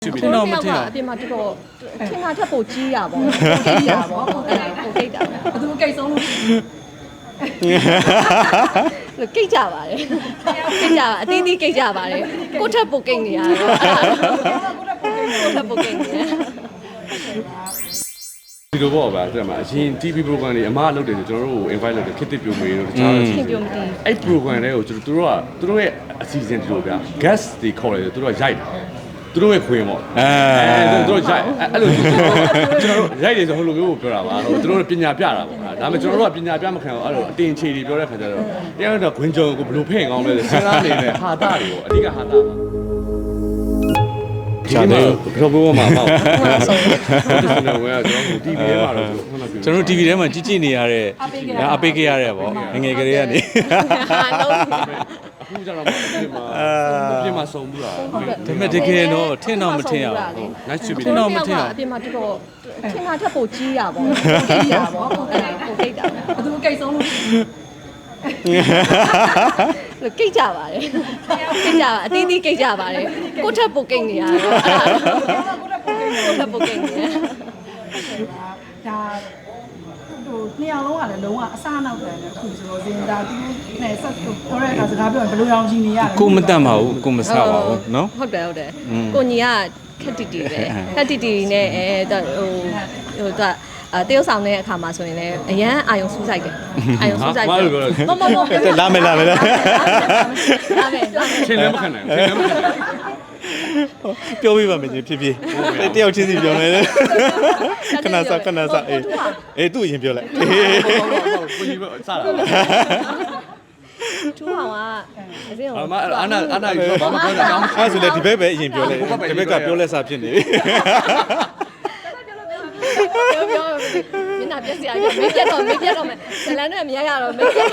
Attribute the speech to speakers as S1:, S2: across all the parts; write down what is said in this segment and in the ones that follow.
S1: ထင်တော့မထင်အောင်အပြင်မှာတော်တော်ထင်တာထက်ပိုကြီးရပါဘောကိတ်ရပါဘောပိုကိတ်တာဘသူကိတ်ဆုံးလို့ကိတ်ကြပါတယ်ကိတ်ကြပါအတင်းတင်းကိတ်ကြပါတယ်ကိုထက်ပိုကိတ်နေရတယ်ကိုထက်ပိုကိတ်နေရ
S2: ဒီလိုပေါ့ဗျာတဲ့မှာအရင် TV program တွေအမားလုပ်တယ်ဆိုကျွန်တော်တို့ကို invite လုပ်တယ်ခစ်တစ်ပြိုမေးတို့တခြား
S1: ခင်ပြုံးမတည်
S2: အဲ့ program တွေကိုသူတို့ရဲ့အစီအစဉ်ဒီလိုဗျာ guest တွေခေါ်တယ်သူတို့ကရိုက်တာသူတို့ရဲ့ခွင်ပေါ့သူတို့ရိုက်အဲ့လိုကျွန်တော်တို့ရိုက်တယ်ဆိုဟိုလိုမျိုးကိုပြောတာပါသူတို့ပညာပြတာပေါ့ဒါပေမဲ့ကျွန်တော်တို့ကပညာပြမခံအောင်အဲ့လိုအတင်ချေတွေပြောတဲ့ခါကျတော့တရားတော့ခွင်ကြုံကိုဘယ်လိုဖဲ့ကောင်းလဲစဉ်းစားနေတဲ့ဟာတာတွေပေါ့အဓိကဟာတာပါဒီမှာဘယ်လိုမှမပေါ့ကျွန်တော်ဝင်ကျွန်တော် TV ထဲမှာတော့
S3: ကျွန်တော် TV ထဲမှာကြည့်နေရတဲ့အပိတ်ခဲ့ရတဲ့ပေါ့ငယ်ကလေးကနေ
S2: အခုကျတော့ပြင်မှာစုံဘူးလား
S3: ဒါပေမဲ့တကယ်တော့ထင်တော့မထင်အောင်
S2: ဟုတ် nice to meet
S1: ထင်တော့မထင်အောင်အပြင်မှာတော်တော်ထင်တာထက်ပိုကြီးရပါဘောကိတ်ရပါဘောပိုကိတ်တာဘသူကိတ်ဆုံးလို့ကိတ်ကြပါတယ်ကိတ်ကြပါအတင်းတင်းကိတ်ကြပါတယ်ကိုထက်ပိုကိတ်နေရတယ်ကိုထက်ပိုကိတ်နေရ
S4: ဒါနှစ်ယောက်လုံးကလည်းလုံးဝအစားနောက်တယ်အခုဆိုတော့ဇင်ဒါသူနဲ့ဆက်ပြောတဲ့အခါစကားပြောရင်ဘယ်လိုအောင်ရှင်နေရလဲ
S3: ကိုမတတ်ပါဘူးကိုမဆပါဘူးနော်
S1: ဟုတ်တယ်ကိုညီကခက်တီတီပဲခက်တီတီနဲ့ဟိုတရုတ်ဆောင်တဲ့အခါမှာဆိုရင်လည်းအရန်အာယုံစူးစိုက်တယ်အာယုံစူးစိုက်တယ်မ
S3: လာမယ်
S2: ချင်းလည်းမခံနိုင်ဘူးချင်းလည်းမခံနိုင်
S3: ပြောပြပါမယ်ကြီးဖြစ်ဖြစ်တယောက်ချင်းစီပြောမယ်လေခဏစားအေးသူ့ရင်ပြောလိုက်
S2: ကိုကြီးစတာ
S1: ထူအောင်ကအစင်း
S2: အာနာပြောဘာမှပြောတာကောင်း
S3: အဲ့ဆိုလေဒီဘက်ပဲအရင်ပြောလိုက်ဒီဘက်ကပြောလက်စားဖြစ်နေ
S1: ပြောမျက်နှာပြက်စရာကြီးမေးပြတ်တော့မယ်ဇလန်နဲ့မရရတော့မေးပြတ်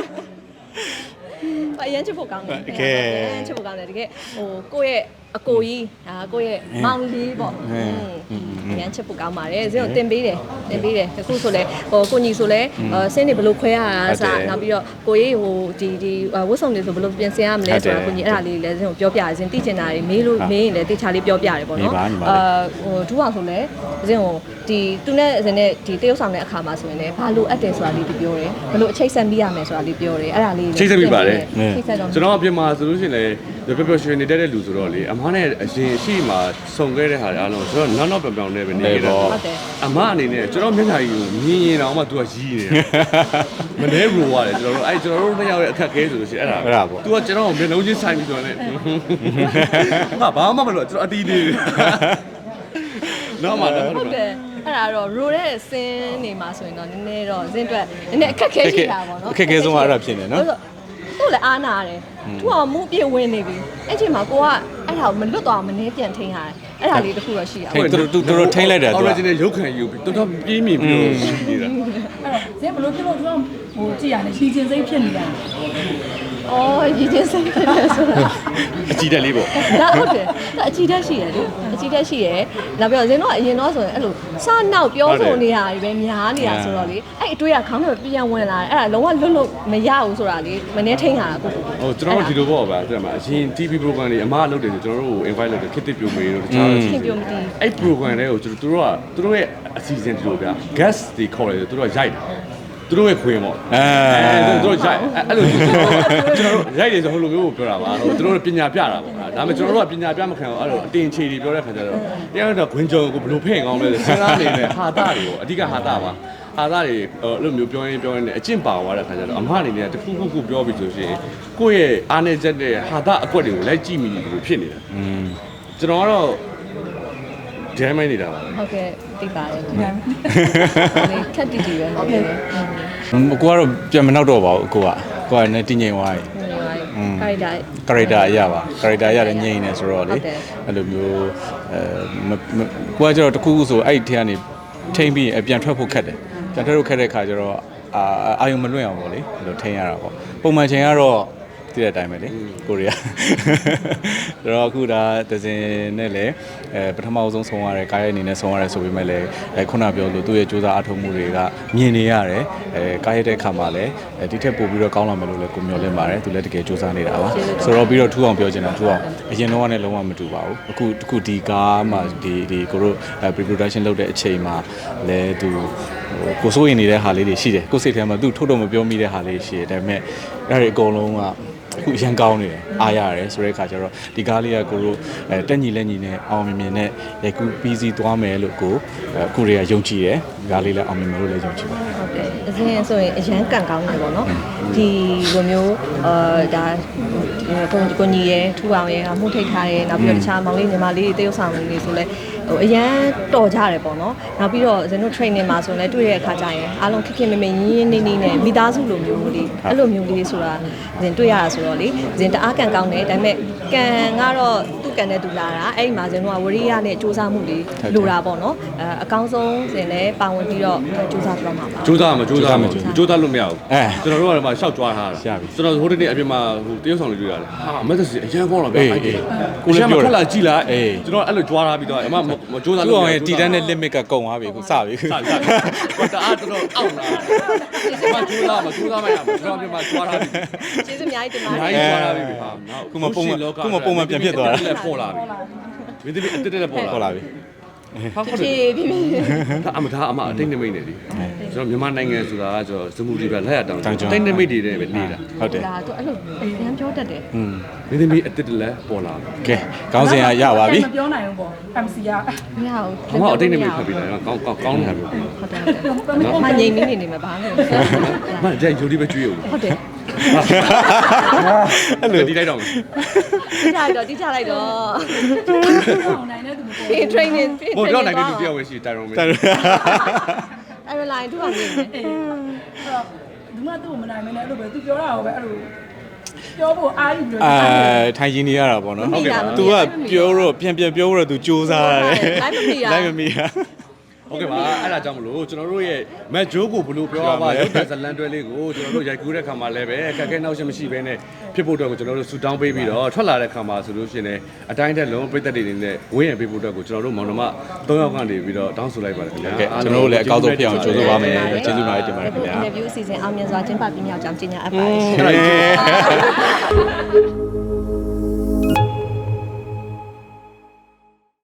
S1: အရင်ချစ်ဖို့ကောင်းတယ်ချစ်ဖို့ကောင်းတယ်တကယ်ဟိုကိုယ့်ရဲ့အကိုကြီးကိုယ့်ရဲ့မောင်လေးပေါ့အရင်ချစ်ဖို့ကောင်းပါတယ်ဇင်းကိုတင်ပေးတယ်တခုဆိုလဲဟိုကိုညီဆိုလဲဆင်းနေဘလို့ခွဲရတာစနောက်ပြီးတော့ကိုကြီးဟိုဒီဝတ်စုံတွေဆိုဘလို့ပြင်ဆင်ရမလဲဆိုတာကိုညီအဲ့ဒါလေးလည်းဇင်းကိုပြောပြတယ်ဇင်းသိချင်တာတွေမေးရင်လည်းတေချာလေးပြောပြတယ်ပေါ့နော်ဟိုထူအောင်ဆိုလဲဇင်းကိုဒီသူနဲ့ဇင်းနဲ့ဒီတရုတ်ဆောင်တဲ့အခါမှာဆိုရင်လည်းဘာလို့အပ်တယ်ဆိုတာလေးပြောတယ်ဘလို့အချိတ်ဆက်ပြီးရမယ်ဆိုတာလေးပြောတယ်အဲ့ဒါလေး
S2: ချိတ်ဆက်ပြီးပါတယ်ကျွန်တော်အပြင်မှာဆိုလို့ရှိရင်လည်းပျော်ရွှင်နေတဲ့လူဆိုတော့လေအမားနဲ့အရင်ရှိမှစုံခဲ့တဲ့ဟာတွေအားလုံးဆိုတော့နောက်ပြောင်နေပဲနေရတော့အမအနေနဲ့ကျွန်တော်မျက်နှာကြီးကိုမြင်ရင်တော့မှ तू ကရီးနေတယ်မနေဘူးွားတယ်ကျွန်တော်တို့နှစ်ယောက်ရဲ့အခက်ခဲဆိုလို့ရှိရင်အဲ့ဒါပေါ့ तू ကကျွန်တော်ကိုမျက်လုံးချင်းဆိုင်ပြီးဆိုတော့လည်းဟာဘာမှမလုပ်ကျွန်တော်အတီးနေနော်မလား
S1: ဟုတ်တယ်အဲ့ဒါတော့ရိုတဲ့ဆင်းနေမှာဆိုရင်တော့နည်းနည်းတော့ဇင်းအတွက်နည်းနည်းအခက်ခဲရှိတာပေါ့နော်
S3: အခက်ခဲဆုံးကအဲ့ဒါဖြစ်နေနော်
S1: သူ့လည်းအားနာတယ်သူကမူပြည့်ဝင်နေပြီအဲ့ချိန်မှာကိုကအဲ့ဒါကိုမလွတ်သွားမနေပြန်ထိန်းရတယ်အဲ့ဒါလေးတစ်ခုတော့ရှိရအောင်
S3: တော်ထိန်းလိုက်တယ်သူက
S2: original ရုပ်ခံယူပြီးတော်ပြေးမြင်ပြီးတော့ရှိနေတာ
S4: အဲ့တော့ဇင်ဘလို့ဖြစ်လို့သူကဟိုကြည့်ရတယ်ရှီချင်းစိတ်ဖြစ်နေတာ
S1: အော်ရည်ချင်းစိတ်ဖြစ်တယ်ဆိုတာ
S2: အကြည့်တက်လေးပေါ့
S1: ဒါဟုတ်တယ်အကြည့်တက်ရှိတယ်လေအကြည့်တက်ရှိတယ်နောက်ပြီးတော့ဇင်းတို့ကအရင်တော့ဆိုရင်အဲ့လိုစနောက်ပြောဆိုနေရပြီပဲများနေတာဆိုတော့လေအဲ့အတွေ့အခေါင်းထဲပြန်ဝင်လာတယ်အဲ့ဒါလုံးဝလွတ်လို့မရဘူးဆိုတာလေမနေထိန်တာကို
S2: ဟိုကျွန်တော်တို့ဒီလိုပေါ့ဗျာတဲ့မှာအရင် TV program တွေအမားလုပ်တယ်ဆိုကျွန်တော်တို့ကို invite လုပ်တယ်ခစ်တစ်ပြိုမေးတို့တခြား
S1: ခင်ပြုံးမတည်
S2: အဲ့ program တွေကိုသူတို့ရဲ့အစီအစဉ်ဒီလိုဗျာ guest တွေခေါ်တယ်သူတို့ကရိုက်တာသူတို့ရဲ့ခွင်ပေါ့သူတို့ရိုက်အဲ့လိုကျွန်တော်တို့ရိုက်တယ်ဆိုဟိုလိုမျိုးကိုပြောတာပါသူတို့ပညာပြတာပေါ့ဒါပေမဲ့ကျွန်တော်တို့ကပညာပြမခံအောင်အဲ့လိုအတင်ချေတွေပြောတဲ့ခါကျတော့တရားတော့ခွင်ကြုံကိုဘယ်လိုဖဲ့ကောင်းလဲစဉ်းစားနေတဲ့ဟာတာတွေပေါ့အဓိကဟာတာပါဟာတာတွေအဲ့လိုမျိုးပြောရင်းနဲ့အကျင့်ပါသွားတဲ့ခါကျတော့အမအနေနဲ့တခုပြောပြီးဆိုရှင်ကိုယ့်ရဲ့အားနေချက်တဲ့ဟာတာအကွက်တွေကိုလိုက်ကြည့်မိလို့ဖြစ်နေတာကျွန်တော်ကတော့ဒဲမိုင်းနေတာပါ
S1: ဟုတ်ကဲ့သိပါတယ်ခက်တီတီပဲဟုတ်ကဲ့
S3: ကိုကတော့ပြန်မနောက်တော့ပါဘူးကိုကလည်းတင်းငိမ်သွားပြီ
S1: ကာ
S3: ရက်တာအရပါကာရက်တာရတယ်ငိမ်နေဆိုတော့လေအဲ့လိုမျိုးကိုကကျတော့တခုခုဆိုအဲ့ဒီထဲကနေထိမ့်ပြီးပြန်ထွက်ဖို့ခက်တယ်ပြန်ထွက်ဖို့ခက်တဲ့ခါကျတော့အာယုံမလွင့်အောင်ပေါ့လေအဲ့လိုထိန်းရတာပေါ့ပုံမှန်ချိန်ကတော့တည်တဲ့အတိုင်းပဲလေကိုရီးယားဆိုတော့အခုဒါဒဇင်နဲ့လည်းပထမဆုံးဆုံးရတဲ့ကားရဲ့အနေနဲ့ဆုံးရတယ်ဆိုပေမဲ့လည်းခုနပြောလို့သူ့ရဲ့စူးစမ်းအထောက်မှုတွေကမြင်နေရတယ်ကားရတဲ့အခါမှာလည်းဒီထက်ပိုပြီးတော့ကောင်းလာမယ်လို့လည်းကိုမျှော်လင့်ပါတယ်သူလည်းတကယ်စူးစမ်းနေတာပါဆိုတော့ပြီးတော့ထူအောင်ပြောချင်တာထူအောင်အရင်တော့ကလည်းလုံးဝမတူပါဘူးအခုဒီကားမှာဒီကိုတို့ pre-production လုပ်တဲ့အချိန်မှာလည်းသူကိုစိုးရင်နေတဲ့ဟာလေးတွေရှိတယ်ကိုစိတ်ထဲမှာသူထုတ်တော့မပြောမိတဲ့ဟာလေးရှိတယ်ဒါပေမဲ့အဲ့ဒီအကုန်လုံးကအခုရန်ကောင်းနေတယ်အားရတယ်ဆိုတဲ့အခါကျတော့ဒီကားလေးကကိုတို့တက်ညီလက်ညီနဲ့အောင်မြင်မြင်နဲ့ရိုက်ကူးပြီးစီးသွားမယ်လို့ကိုတွေကယုံကြည်တယ်ဒီကားလေးလည်းအောင်မြင်မယ်လို့လည်းယုံကြည်ပါတယ်
S1: ဟုတ်တယ်အရင်ဆိုရင်အရန်ကန်ကောင်းတယ်ပေါ့နော်ဒီလိုမျိုးဒါကိုညီရဲ့ထူအောင်ရဲ့မှုထိတ်ထားတယ်နောက်ပြီးတော့တခြားမောင်လေးညီမလေးတွေတရုပ်ဆောင်လေးဆိုလဲအရန်တော်ကြတယ်ပေါ့နော်နောက်ပြီးတော့ဇင်တို့ training မှာဆိုလဲတွေ့တဲ့အခါကျရင်အားလုံးခက်ခက်မမရင်းရင်းနေနေနဲ့မိသားစုလိုမျိုးလေးအဲ့လိုမျိုးလေးဆိုတာဇင်တွေ့ရတာဆိုတော့လေဇင်တအားကန်ကောင်းတယ်ဒါပေမဲ့ကန်ကတော့သူ့ကန်တဲ့သူလာတာအဲ့ဒီမှာဇင်တို့ကဝရိယနဲ့စူးစမ်းမှုလေးလိုတာပေါ့နော်အကောင်းဆုံးဇင်လည်းပါဝင်ပြီးတော့စူးစမ်းပြတော့မှာပါ
S2: စူးစမ်းလို့မရဘူးကျွန်တော်တို့ကတော့မှရှောက်ကြွားထားတာကျွန်တော်ဟိုတနေ့အပြင်မှာဟိုတရုတ်ဆောင်လေးတွေ့ရတယ်ဟာမက်ဆေ့ချ်အရန်ကောင်းတော့ဗျာကိုလည်းပြောတယ်ခက်လာကြည့်လိုက်ကျွန်တော်အဲ့လိုကြွားထားပြီးတော့အမမစူးစမ်းလို့
S3: အောင်ရဲ့တီတန်းနဲ့ limit ကကုန်သွားပြီခုစပြီ
S2: စတအားတော်အောင့်လာမစူးစမ်းမရဘူးကျွန်တော်ပြင်မှာကြွားထားပြီ
S1: ကျေးဇူးအများကြီးတင်ပါတ
S2: ယ်အားကြီးကြွားထားပြီဟာ
S3: ခုမှပုံမှန်ပြန်ဖြစ်သွားတာ
S2: ပေါ်လာပြီမင်းသမီးအတက်တက်ပေါ်လာပြီ
S1: ဟုတ်ကဲ့ပြီ
S2: ဒါအမအတိတ်နမိတ်နေလေကျွန်တော်မြန်မာနိုင်ငံဆိုတာကကျွန်တော်စမှုတွေပဲလက်ရတောင်တိတ်နမိတ်တွေနဲ့ပဲနေတာ
S3: ဟုတ်တယ်
S1: ဒါတော့အဲ့လိုရမ်းပြောတတ်တယ်
S2: မင်းသမီးအတက်တက်လည်းပေါ်လာ
S3: ကဲခေါင်းစဉ်ကရပါပြီ
S4: မပြောနိုင်ဘူးပေါ့ MC က
S1: မရဘူး
S2: ဘာမှအတိတ်နမိတ်ဖတ်ပြီးတယ်ကောင်းနေတာပဲ
S1: ဟုတ်တယ်မငြိမ်နေမှာဘာလို့
S2: မကြိုက်ဂျိုဒီပဲကျွေးဦး
S1: ဟုတ်တယ်
S2: အဲ့လိုဒီလိုက်တော့
S1: တိချလိုက်တော့
S4: အောင်နိုင်တဲ့သူမပေါ်
S1: training
S2: ဟိုတော့နိုင်တဲ့သူပြောဝဲရှိတိုင်ရုံပဲ
S1: အဲ့လိုလိုက်သူကမြင်တယ်
S4: အဲ့တော့ဒီမှာသူ့ကိုမနိုင်မနဲ့အဲ့လိုပဲသူပြောတာကိုပဲအဲ့လိုပြောဖို့အားယူပြီးတော့
S3: ထိုင်ရင်းနေရတာပေါ့နော်ဟုတ်ကဲ့ तू ကပြောတော့ပြန်ပြောတော့ तू စူးစမ်းရတယ်လိုက်မမီရ
S2: ဟုတ်ကဲ့ပါအဲ့ဒါကြောင့်မလို့ကျွန်တော်တို့ရဲ့မက်ဂျိုးကိုဘလို့ပြောပါရုပ်တဲ့ဇလန်တွဲလေးကိုကျွန်တော်တို့ရိုက်ကူးတဲ့ခါမှာလည်းပဲအခက်အခဲနောက်ရှင်းမရှိဘဲနဲ့ဖြစ်ဖို့အတွက်ကိုကျွန်တော်တို့ဆူတောင်းပေးပြီးတော့ထွက်လာတဲ့ခါမှာဆိုလို့ရှိရင်လည်းအတိုင်းတက်လုံးပြည့်သက်တွေနေနဲ့ဝင်းရံပေးဖို့အတွက်ကိုကျွန်တော်တို့မောင်နှမ3ယောက်ကနေပြီးတော့တောင်းဆိုလိုက်ပါတယ်ခင်ဗျာ
S3: ကျွန်တော်တို့လည်းအကောက်ဆုံးဖြစ်အောင်ကြိုးစားပါမယ်ကျေးဇူးများတင်ပါတယ်ခင်ဗျာ
S1: interview အစီအစဉ်အောင်မြင်စွာကျင်းပပြမြောက်ကြောင်းကြေညာအပ်ပါတယ်